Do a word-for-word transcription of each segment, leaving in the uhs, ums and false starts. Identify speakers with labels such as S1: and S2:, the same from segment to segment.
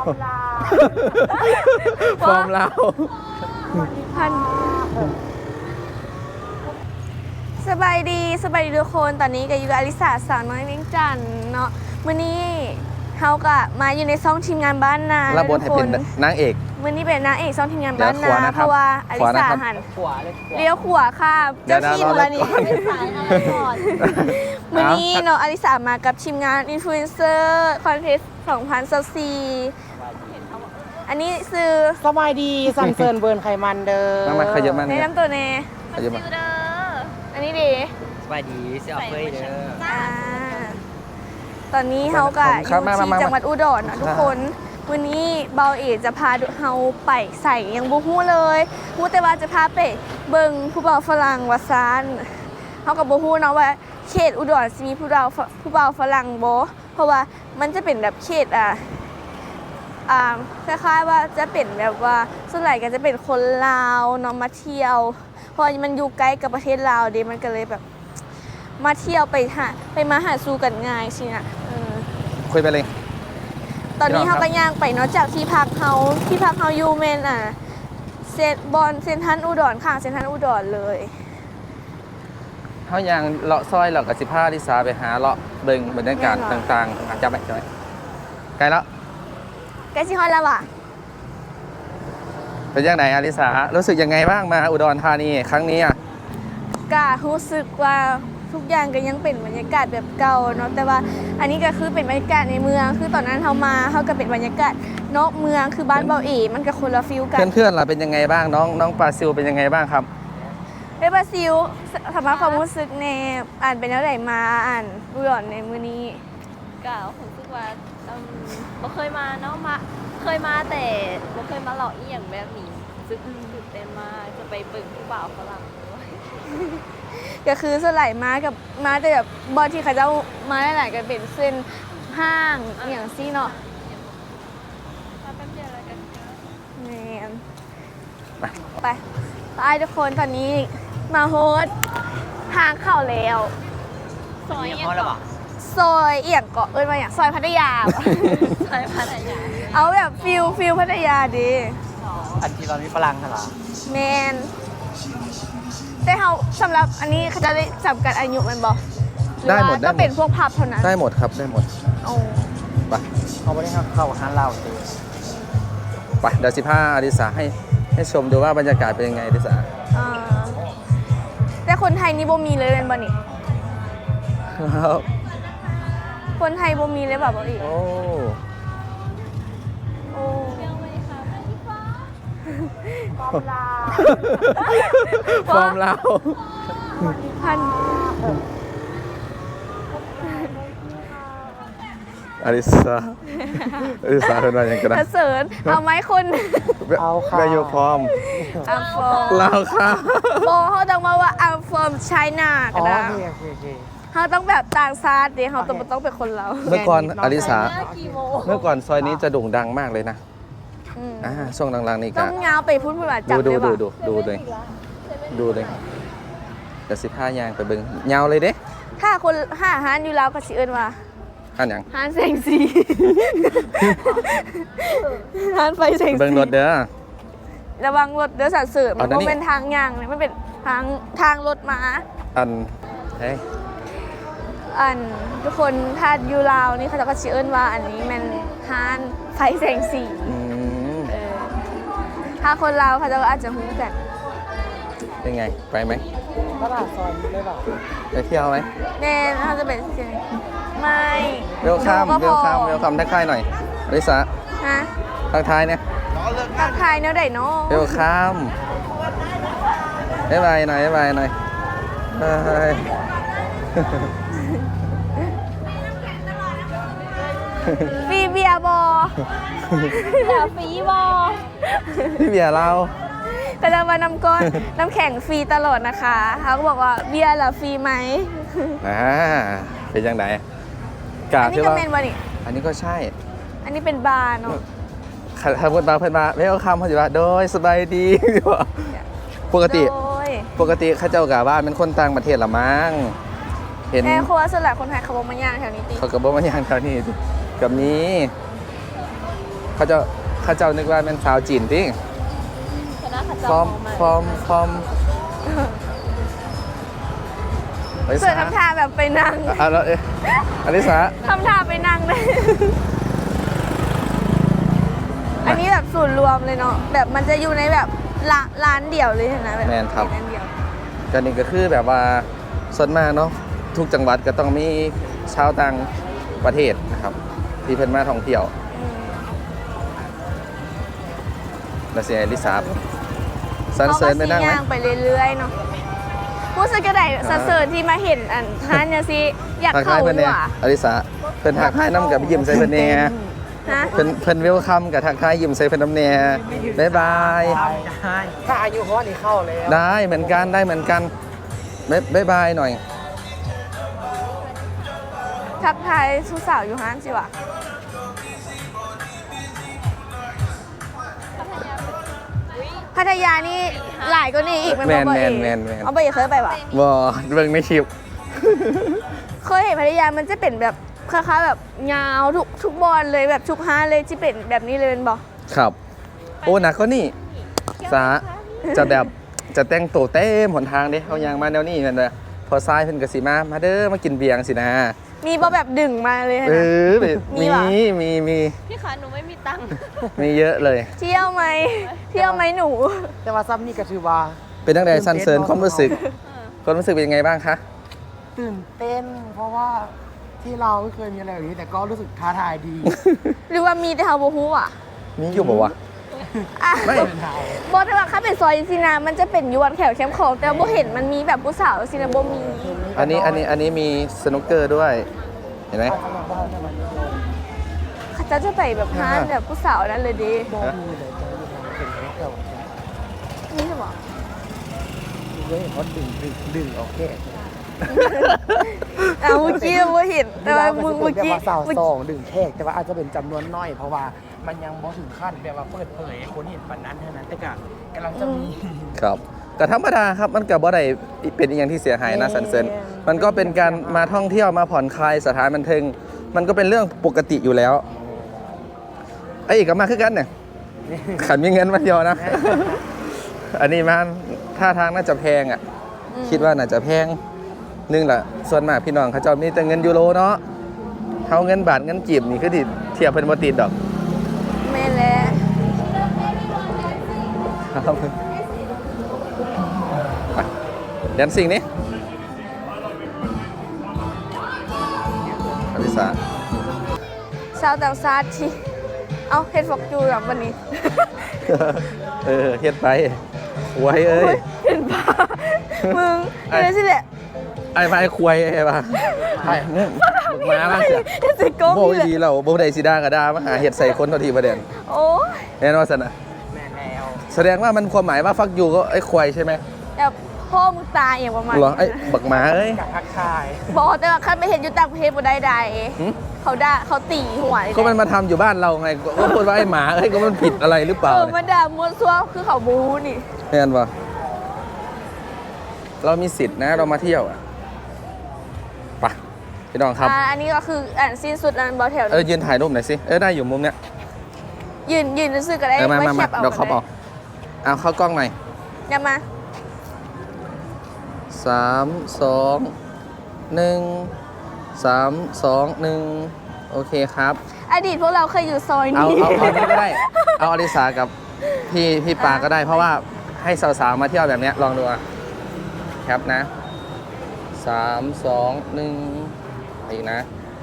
S1: ฟอร์มลาว
S2: พันสบายดีสบายดีทุกคนตอนนี้ก็อยู่กับอลิสาสาวน้อยเวียงจันทน์เนาะมื้อนี้เฮาก็มาอยู่ในซ่องทีมงานบ้านนา
S1: รับบทให้เป็นนางเอก
S2: มื้อนี้เป็นนางเอกซ่องทีมงานบ้านนาเพราะว่าอลิสาหันเลี้ยวขวาค่ะเจ้าที่มูลนิธิมื้อนี้เนาะอลิสามากับทีมงานอินฟลูเอนเซอร์คอนเทสต์สองพันยี่สิบสี่อันนี้ซื้อ
S3: สบายดีซันเซิร์นเบิร์นไขมันเด้อ
S1: น้ำมันขยับมัน
S2: ในน้ำตัวเน่
S1: ขยับมัน
S2: อันนี้ดี
S3: สบายดีเสียออฟเฟยเด้อ
S2: ตอนนี้เฮาก็อยู่ที่จังหวัดอุดรนะทุกคนวันนี้เบาเอจะพาเฮาไปใส่ยังบ่ฮู้เลยฮู้แต่ว่าจะพาไปเบิ่งผู้บ่าวฝรั่งว่าซานเฮาก็บ่ฮู้เนาะว่าเขตอุดรสิมีผู้บ่าวผู้บ่าวฝรั่งบ่เพราะว่ามันจะเป็นแบบเขตอ่ะอ่าคล้ายๆว่าจะเป็นแบบว่าส่วนใหญ่ก็จะเป็นคนลาวเนาะมาเที่ยวเพราะมันอยู่ใกล้กับประเทศลาวเด้มันก็เลยแบบมาเที่ยวไปหาไปมาหาสู่กันง่ายสินะเออ
S1: คุยไปเลย
S2: ตอนนี้เฮาก็ย่างไปเนาะจากที่พักเฮาที่พักเฮาอยู่แม่นอ่ะเซนบอนเซ็นทรัลอุดรข้างเซ็นทรัลอุดรเลย
S1: เฮาย่างเลาะซอยเลาะกับสิบห้าลิสาไปหาเลาะเบิ่งบรรยากาศต่างๆจับไปจับไปไกลแล้ว
S2: ใกล้สิฮอดแล้วว่ะ
S1: เป็นยังไงอลิสารู้สึกยังไงบ้างมาอุดรธานีครั้งนี้อ่ะ
S2: ก็รู้สึกว่าทุกอย่างก็ยังเป็นบรรยากาศแบบเก่าเนาะแต่ว่าอันนี้ก็คือเป็นบรรยากาศในเมืองคือตอนนั้นเฮามาเฮาก็เป็นบรรยากาศนอกเมืองคือบ้านเบาเอ๋มันก็คนละฟิลกัน
S1: เพื่อนๆล่ะเป็นยังไงบ้างน้องน้องปาซิลเป็นยังไงบ้างครับ
S2: เอ้ปาซิลสำหรับความรู้สึกในอ่านเป็นแล้วไหนมาอ่านอุดรในมื้อนี้
S4: ก็รู้สึกว่าบ่เคยมาเนาะมาเคยมาแต่บ่เคยมาหลอกอีหยังแบบนี้รู้สึกตื่นเต้นมากจะไปเบิ่งผู้บ่าวฝรั่งด้วย
S2: ก็คือสลายมากับมาแต่แบบบอลที่เขาจะมาหลายๆกันเป็นเส้นห้างอย่างซี่เนาะ
S4: มาแป๊บเดียวแล้วกัน
S2: แม่ไปไปไปทุกคนตอนนี้มาโฮสทางเข้าแล้ว
S4: ซอยเอียงเกาะ
S2: ซอยเอียงเกาะเอ้ยมาอย่างซอยพัทยา
S4: ซอยพัทยา
S2: เอาแบบฟิลฟิลพัทยาดี
S3: อันที่เรามีฝรั่งเหรอ
S2: แมนแต่เขาสำหรับอันนี้เขาจะได้จำกัดอายุมันบอก
S1: ได้หมด
S2: ก็เป็นพวกพับเท่านั้น
S1: ได้หมดครับได้หมด
S2: โอ้
S1: ไป
S3: เขาไม่ได้เข้าห้างเหล้า
S1: ไปเดี๋ยวสิบห้าอลิสาให้ให้ชมดูว่าบรรยากาศเป็นยังไงอลิสา
S2: แต่คนไทยนี่บ่มีเลยเป็นบ่นี่คนไทยบ่มีเลยแบบบ่อีก
S1: โอ้
S2: โอ้
S1: ฟอร์มลาว
S2: พัน
S1: อลิสาอลิสาเป็นอะไรอย่างกันนะ
S2: เสริญเอาไหมคุณ
S1: เอาค่ะไปอยู่พร้อม
S2: อัมฟอร์ม
S1: ลาวค่ะ
S2: โบเขาต้องมาว่าอัมฟอร์มไชน่าก็ได้เขาต้องแบบต่างชาติดิเขาต้องต้องเป็นคนเรา
S1: เมื่อก่อนอลิสาเมื่อก่อนซอยนี้จะโด่งดังมากเลยนะอ่าช่วงหลังๆนี่ก็
S2: ต้องเงาไปพูดพูดว่าจับ
S1: ดูดูดูดูเลยดูเลยเดี๋ยวสิบห้ายางไปเบิ้งเงาเลยเด้
S2: ถ้าคนห้าฮานอยู่แล้วก็สิเอิ้นว่า
S1: ฮานยัง
S2: ฮานแสงสีฮานไฟแสงสี
S1: เบิ้งรถเด้อ
S2: ระวังรถเด้อสัตว์เสริมมันเป็นทางยางเลยมันเป็นทางทางรถม้า
S1: อันเฮ้ย
S2: อันทุกคนถ้าอยู่ลาวนี่เขาจะก็สิเอิ้นว่าอันนี้มันฮานไฟแสงสีถ้าคนลาวเขาจะอาจจะรู้กัน
S1: เป็นไงไปไหม
S3: ตลาดซอยนี้เลยป่ะ
S1: ไปเที่ยวไหม
S2: แน่น่าจะเป็นเชียงไม่
S1: เวลคัมเวลคัมเวลคัมทักทายหน่อยอลิสา
S2: ฮะ
S1: ทักทายเนี่ย
S2: ทักทายเนาะได้เนาะ
S1: เวลคัมบ๊ายบายหน่อยบ๊ายบายหน่อย
S2: ฟีเบียบอ
S4: อย่าฟีบอ
S1: พี่เบียร์เรา
S2: แต่เรามาน้ำก้อนน้ำแข็งฟรีตลอดนะคะเขาก็บอกว่าเบียร์เหรอฟรีไหม
S1: อ่าเป็นยังไง
S2: กาอันนี้ก็เป็นวะนี่
S1: อันนี้ก็ใช่
S2: อันนี้เป็นบาร์เนาะ
S1: ถ้าพูดบาร์เพื่อนมาไม่เอาคำเขาจะว่าโดยสบายดีปกติปกติข้าเจ้ากะบ้านเป็นคนต่างประเทศละมั้ง
S2: เห็นแม่ครัวส่วนใหญ่คนไทยเขาบอกมาย่างแถวนี้ตี
S1: เขาก็บอกมาย่างแถวนี้กับนี้เขาเจ้าเขาเจ้านึกว่าเป็นสาวจีนติ
S4: คณะขัด
S1: ฟ
S4: เจ้า
S1: อร์ม
S4: ของใหม่
S1: ฟอร์มฟอร์มอลิ
S2: เสือ
S1: สา
S2: ทำท่าแบบไปนั่ง
S1: อ่ะแล้วเอ๊ะอลิสา
S2: ทำท่าไปนั่งเลย อันนี้แบบศูนย์รวมเลยเนาะแบบมันจะอยู่ในแบบร้านร้านเดี่ยวเลยนะแบบ
S1: แมนครับ
S2: ร้านเดียว
S1: ก็นี่ก็คือแบบว่าส่วนมากเนาะทุกจังหวัดก็ต้องมีชาวต่างประเทศนะครับที่เพิ่นมาท่องเที่ยว
S2: อืม
S1: แล้วเสียลิซาสัน
S2: เขา
S1: เสริ
S2: ก็
S1: ญไป
S2: ซี
S1: นั่งไหม
S2: ย่างไปเรื่อยๆเนาะผู้สึกกระไดสันเสริญที่มาเห็นอันท่านเนี่ยสิอยาก
S1: ทัก
S2: เข้า
S1: ทายเพิ่น
S2: ดี
S1: เนี่ย
S2: กว่า
S1: อลิสาเพิ่นทักทายน้ำกับยิ้มใส่เพิ่นแน่
S2: ฮะ
S1: เพิ่นเพิ่นเวลคัมกับทักทายยิ้มใส่เพิ่นน้ำแน่บ๊ายบาย
S3: ได้ถ้าอายุเขานี่เข้าแล้ว
S1: ได้เหมือนกันได้เหมือนกันบ๊ายบ๊ายบายหน่อย
S2: ทักทายสุสาวอยู่ห้านสิวะพัทยานี่หลายก็นี่อีกมัน
S1: แม
S2: บ่
S1: น
S2: บ่
S1: แม
S2: เอน
S1: แมนแมน
S2: เอาไปเคยไปปะ
S1: บ่เบิ่งในคลิป
S2: เคยเห็นพัทยามันจะเป็นแบบคล้ายๆแบบยาวทุกทุกบอลเลยแบบทุกห้านเลยที่เป็นแบบนี้เลยเป็นบ่
S1: ครับ โอ้หนักก็นี่สาจะแบบจะแต่งตัวเต็มหนทางเด้เขายางมาแนวนี้นั่นแหละพอซ้ายเพิ่นก็สิมามาเด้อมากินเบียร์สินะ
S2: มีบ่แบบดึงมาเลย
S1: เอ
S2: นะ
S1: อแบบ
S2: มี
S1: มี
S2: เหรอ
S1: มีมี
S4: พี่คะหนูไม่มีตังค์
S1: มีเยอะเลย
S2: เที่ยวไหมเที่ยวไหมหนู
S3: แต่ว่าซ้ำนี่ก็ถือว่า
S1: เป็นตั้งแต่สันเสริญความรู้สึกความรู้สึกเป็นยังไงบ้างคะ
S3: ตื่นเต้น เพราะว่าที่เราไม่เคยมีอะไรแบบนี้แต่ก็รู้สึกท้าทายดี
S2: หรือว่ามีแต่เฮาบ่ฮู้อ่ะ
S1: มีอยู่บอกว่าวะ
S2: อ่ะ
S1: ไม่
S2: บ่แต่ว่าถ้าเป็นซอยซินามันจะเป็นยวนแถวแคมป์ของแต่บ่เห็นมันมีแบบผู้สาวซินาบ่มี
S1: อันนี้อันนี้อันนี้มีสนุกเกอร์ด้วย เห็นไหม
S2: เขาจะจะไปแบบห้านแบบผู้สาวนั่นเลยดิ
S3: โบมีเลยจะมีทางเป็นเก่า
S2: นี่ใช่ปะ
S3: เว้ยเขาดึงดึงดึงโอเค
S2: อ่ะเมื่อกี้บ่เห็นแต่ว่ามึงเมื่อกี้
S3: สาว
S2: เมื่อ
S3: สอ
S2: กี้
S3: งดึงแขกแต่ว่าอาจจะเป็นจำนวนน้อย เพราะว่ามันยังบ่ถึงขั้นแบบว่าเปิดเผยให้คนเห็นปันนั้นเท่านั้นแต่ก็กำลังจะมี
S1: ครับก็ธรรมดาครับมันกับบ่ได้เป็นอหย่างที่เสียหายนะสันเสริญมันก็เป็นการมาท่องเที่ยวมาผ่อนคลายสถานบันเทิงมันก็เป็นเรื่องปกติอยู่แล้วไอ้อีกก็มาคือกันเนี่ยขันมีเงินมาเดียวนะ อันนี้มันท่าทางน่าจะแพงอ่ะ คิดว่าน่าจะแพงนึงแหละส่วนมากพี่น้องเขาเจะมีแต่เงินยูโรเนาะเขาเงินบาทเงินจีบนี่คือดิเทียบเป็นบ่ติดดอก
S2: แม่นแล้ว
S1: ครับไปเดี๋ยวสิ่งนี้อลิสา
S2: ชาวต่างชาติที่เอาเฮ็ดฟอกจูแบบวันนี้
S1: เออเฮ็ดไปไว้เอ้ย
S2: เห็นปะมึง
S1: ไอ้
S2: เห็นสิแหละ
S1: ไอ้ไปควายไอ้ป่ะไอ้เนี่ยบึกมาบ้างเสีย
S2: เห็นสิโก้
S1: โบ
S2: นี่แหละ
S1: ดีเราโบได้สีดากับดามาหาเห็ดใส่คนเท่าทีประเด็น
S2: โอ้ย
S1: แน่นอนสนะ
S3: แม่แล้ว
S1: แสดงว่ามันความหมายว่าฟักยูก็ไอ้ควายใช่ไหม
S2: แบบพ่อมึงตายอย่างประมาณ
S1: เหรอไอ้บักหมาเอ้ย
S3: กับทักทาย
S2: บอกแต่ว่าคันไปเห็นอยู่ต่างประเทศบ่ได้ใด
S1: หึ
S2: เขาด่าเขาตีหัวเลย
S1: ก็มันมาทำอยู่บ้านเราไงก็พูดว่าไอ้หมาเอ้ยก็มันผิดอะไรหรือเปล่า
S2: เออ
S1: เนี่ย
S2: มาด่ามวนซัวคือเขาบูนี่
S1: แน่นปะเรามีสิทธิ์นะเรามาเที่ยวอ่ะไปพี่น้องครับ
S2: อ่าอันนี้ก็คืออ่านสิ้นสุดอันบอแถว
S1: เออยืนถ่ายรูปหน่อยสิเออได้อยู่มุมเนี้ย
S2: ยืนยืนรู้สึกก็ได้
S1: เออมามา
S2: ไว้แค
S1: มา
S2: ปเอา
S1: เดี๋ยวเขาบอกเอาเข้ากล้องหน่อย
S2: อย่ามา
S1: สามสองหนึ่งสามสองหนึ่งโอเคครับ
S2: อดีตพวกเราเคยอยู่ซอย
S1: เอา
S2: นี้
S1: เอาเอานี้ก็ได้ เอาอลิสากับพี่พี่ปาก็ได้ เพราะว่าให้สาวๆมาเที่ยวแบบเนี้ยลองดูอ่ะครับนะสามสองหนึ่งอีกนะ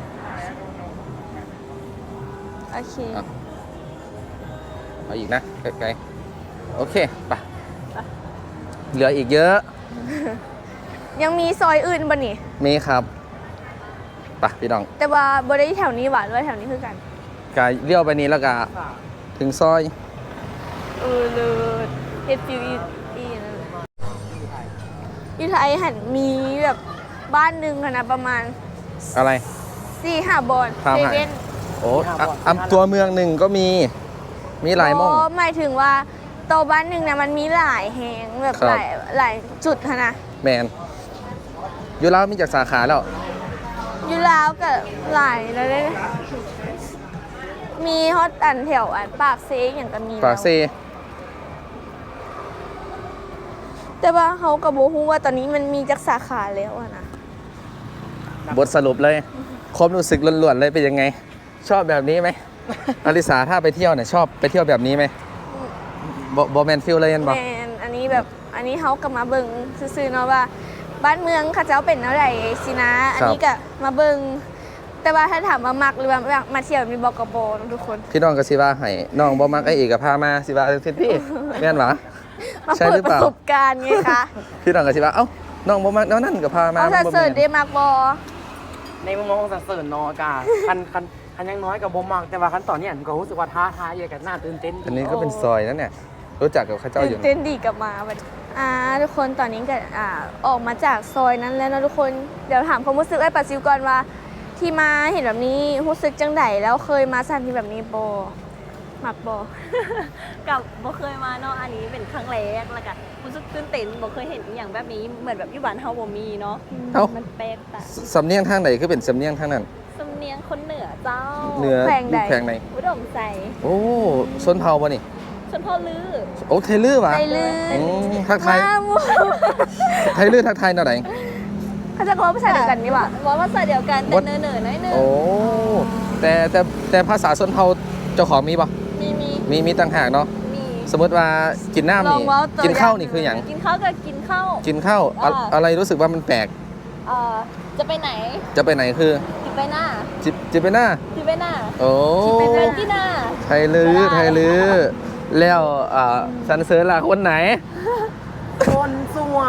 S2: โอเค
S1: เอาเอาอีกนะไกลๆโอเคไปเหลืออีกเยอะ
S2: ยังมีซอยอื่นบ่นี่
S1: มีครับไปพี่น้อง
S2: แต่ว่าบ่ได้แถวนี้หวานว่าแถวนี้คือกัน
S1: กายเลี้ยวไปนี้แล้วก็ถึงซอย
S2: เออเลยเฮ็ดฟิวอีอีนั่นแหละอยู่ไทยหันมีแบบบ้านหนึ่งอะนะประมาณ
S1: อะไร
S2: สี่ห้าบอล
S1: ทำ
S2: เซ
S1: ให้
S2: เว่น
S1: โอ้อ่ะอ่ะตัวเมืองหนึ่งก็มีมีหลายหมอง
S2: อ๋อหมายถึงว่าโตวบ้านหนึ่งเนี่ยมันมีหลายแหงแบบ
S1: ครับ
S2: หลายหลายจุดอะนะ
S1: แมนอยู่แล้วมีจากสาขาแล้ว
S2: อยู่ลาวกับหลายแล้วเลยมีฮอตอันแถวอันปากเซกอย่างก็มี
S1: ปากเซ
S2: แล้วแต่ว่าเขากับโบฮู้ว่าตอนนี้มันมีจักสาขาแล้วอะนะ
S1: บทสรุปเลยความรู้สึกล้วนๆเลยเป็นยังไง ชอบแบบนี้ไหม อลิสาถ้าไปเที่ยวเนี่ยชอบไปเที่ยวแบบนี้ไหมบอบอแมนฟิลเลยยันบอก
S2: แมนอันนี้แบบอันนี้เขากับมาเบิงซื่อๆเนาะว่า บ้านเมืองเขาเจ้าเป็นอะไรสินะ อันนี้ก็มาเบิงแต่ว่าถ้าถามว่ามักหรือว่ามาเที่ยวมีบอกกบนะทุกคน
S1: พี่น้องก็สิว่าให้น้องบอมักไอเอกกับพามาสิว่าเสิพี่แม่นหรอ
S2: มา
S1: ใช่
S2: เปิ
S1: ห
S2: ด
S1: รือ
S2: ป
S1: เปล่า
S2: ระสบการณ์ไงคะ
S1: พี่น้องก็สิว่าเอ้าน้องบอมักแล้วนั่นกับพามา
S2: เอาถ้า
S1: บ่
S2: เสิร์ช
S1: แม่น
S2: ได้มักบอ
S3: ในมุมมองของสันเสริญเนอกาคันคันคันยังน้อยกับบ่มักแต่ว่าคันตอนนี้อันก็รู้สึกว่าท้าทายกับน่าตื่นเต้น
S1: อันนี้ก็เป็นซอยนั่นเนี่ยรู้จักกับข้าเจ้าอ
S2: ตื่
S1: ยู่
S2: นเต้นดีกลับมาวันนี้อ่าทุกคนตอนนี้ก็อ่าออกมาจากซอยนั้นแล้วนะทุกคนเดี๋ยวถามความรู้สึกไอ้ปัสซิวก่อนว่า ที่มาเห็นแบบนี้รู้สึกจังไดแล้วเคยมาสถานที่แบบนี้บอมักบอ
S4: กับบ่เคยมาเนาะอันนี้เป็นครั้งแรกแล้วก็รู้สึกตื่นเต้นบ่เคยเห็นอหย่างแบบนี้เหมือนแบบอยู่บ้านเฮาบ่มีเนาะ
S1: เอ้า
S4: มันแปลกตา
S1: สำเนียงทางไหนคือเป็นสำเนียงทางนั้น
S4: สำเนียงคนเหนือเจ้า
S1: เหนือ
S2: แขวงใด
S1: แขวงไหน
S4: อุดมใส
S1: โอ้ชนเผ่าป่ะนี่
S4: ชนพ่อลือ
S1: โอ้ไทยลื้อวะ
S2: ไปลื่
S1: อื
S2: น
S1: มทักทาย
S2: มาหมู่
S1: ไทยลื้อทักทายหน่อยไหน
S2: เขาจะเขาภาษาเดียวกันนี่หว่า
S4: ว่าภาษาเดียวกันแต่
S1: What?
S4: เนอๆน้อยหนึง
S1: โอ้แต่แต่แต่ภาษาชนเผ่าเจ้าของมีป่ะ
S4: มีมี
S1: มีมีต่างหากเนาะ
S4: มี
S1: สมมติว่ากินน้ำ
S2: ลอง
S1: นี่
S2: เว้าตัว
S1: กินข้าว
S2: อย่าง
S1: นี่คืออย่าง
S4: กินข้าวก็กินข้าว
S1: กินข้าวอะ
S4: อ่า
S1: อะไรรู้สึกว่ามันแปลก
S4: เอ่อจะไปไหน
S1: จะไปไหนคือ
S4: จะไปหน้า
S1: จิจิไปหน้า
S4: จะไปหน้า
S1: โอ้
S4: ไปไปที่หน้า
S1: ไทยลื้อ
S4: ได้
S1: ไทยลื้อแล้วอ่าสันเสริญล่ะคนไหน
S3: คนสวย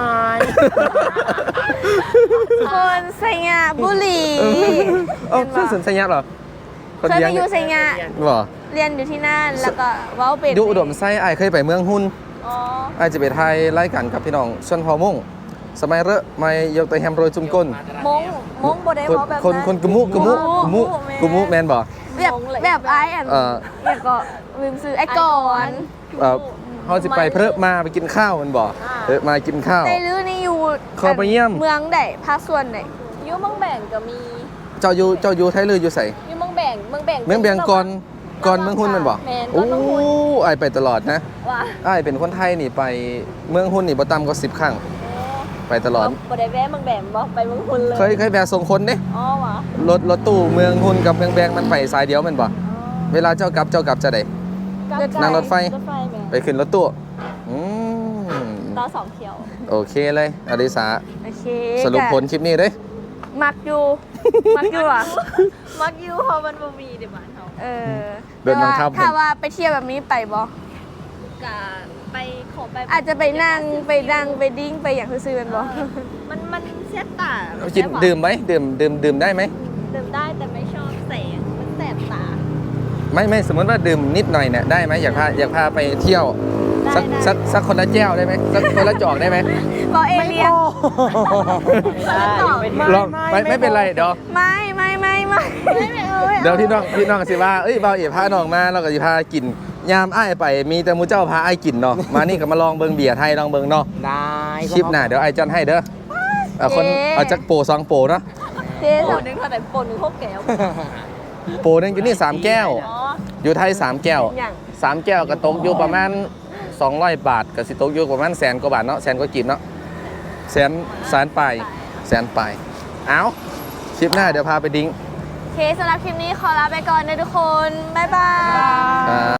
S2: คนไซงะบุรี
S1: เอ้าสันเสริญสัญญาเหรอคน
S2: เคย
S1: เลี้
S2: ไป
S1: ง
S2: อยู่ไซงะ
S1: บ่
S2: เรียนอยู่ที่นั่นแล้วก็เว้าเป็น
S1: อยู่อุดมไส้ไอายเคยไปเมืองหุ้น
S4: อ๋อ
S1: ไอายจะไปไทยไล่กันกับพี่น้องชนเผ่ามุ่งสมัยเรอะไม่ยกตัวแฮมโรยจุ่มก้น
S4: มงมงบ่ได้
S1: คน
S4: เว้าแบบ
S1: คน
S4: นั้น
S1: คนกะมุกะมุกะมุกะมุแมนบ่
S2: แบบแบบไอ้อัน
S1: เอ่อ
S2: เนี่ยก็ลืมซื้อไอ้ก่อน
S1: เอ่อเขาจะไปเพลอะมาไปกินข้าวมันบ่เพลอะมากินข้าว
S2: ในลือนี่อยู่
S1: เข้าไปเยี่ยม
S2: เมืองใดภาคส่วนใด
S4: อยู่เมืองแบ่งก็มี
S1: เจ้าอยู่เจ้าอยู่ไทยลืออยู่ใส่
S4: อยู่เมืองแบ่งเมืองแบ่ง
S1: เมืองเบียงก่อนก่อนเมืองหุ้นมันบ่
S4: แม่นก่
S1: โอ้
S4: อนเมืองหุ้น
S1: ไอายไปตลอดนะ
S4: ว่า
S1: ไอายเป็นคนไทยนี่ไปเมืองหุ้นนี่บ่ต่ำกว่าสิบครั้งไปตลอด
S4: บ่ได้แวะเมืองแบ่งบ่ไปเมืองหุ้นเลย
S1: เคยเคยแวะส่งคนเด้
S4: อ๋อวะ
S1: รถรถตู้เมืองหุ้นกับเมืองแบงมันไปสายเดียวแมันบ่เวลาเจ้ากลับเจ้ากลับจะได้ นั่งรถไฟ
S4: รถไฟแม่
S1: ไปขึ้นรถตู้อืม
S4: ต่อสองเที่ยว
S1: โอเคเลยอลิสา
S2: โอเค
S1: สรุปผลคลิปนี้เด้ย
S2: มักอยู่ มักอยู่อ่ะ
S4: มักอยู่เพราะมันบ่มีเดี๋ยวบ้านเฮา
S2: เออ
S1: เดินบังคับ
S2: ถ้าว่าไปเที่ยวแบบนี้ไปบ่
S4: กะไปขอไป
S2: อาจจะไปนั่งไปนั่งไปดิ้งไปอย่างซื่อๆมันบ่
S4: มันมันเสียตา
S1: กินดื่มไหมดื่มดื่มดื่มได้ไหม
S4: ดื่มได้แต่ไม่ชอบแสงมันแสบตา
S1: ไม่ไม่สมมติว่าดื่มนิดหน่อยเนี่ยได้ไหมอยากพาอยากพาไปเที่ยว
S4: ได้
S1: สัก
S4: ได้
S1: สักสักคนละแก้วได้ไหมสักคนละจอกได้ไหม
S2: บ่เอเลียน
S1: ลองไม่ไม่เป็นไรเดี๋ยว
S2: ไม่ไม่ไม่ไม่ไม่ไม่เอาไม่อา
S1: เดี๋ยวพี่น้องพี่น้องสิว่าเอ้ยเบาเอ๋พาน้องมาเราก็สิพากินยามอ้ายไปมีแต่หมูเจ้าพาอ้ายกินเนาะมานี่ก็มาลองเบิงเบียร์ไทยลองเบิงเนาะ
S3: ได้
S1: คลิปหน้าเดี๋ยวไอ้ายจันให้เด้อเอาคนเอาจักโปรสองโปรเนาะ
S2: เจ๊
S4: โป
S2: ส
S4: นหนึ่งเท่าไหร่โปนหนึ่งหกแก้ว
S1: โปรหนึงอยู่นี่สามแก้ว
S4: อ๋อ
S1: อยู่ไทยสามแก้ว
S2: อย่าง
S1: สามแก้วก็ตกอยู่ประมาณสองร้อยบาทก็สิตกอยู่ประมาณแสนกว่าบาทเนาะแสนกว่ากิบเนาะแสนแสนปลายแสนปลายเอาคลิปหน้าเดี๋ยวพาไปดิ้ง
S2: โอเคสำหรับคลิปนี้ขอลาไปก่อนนะทุกคน บ๊ายบาย
S1: อ่า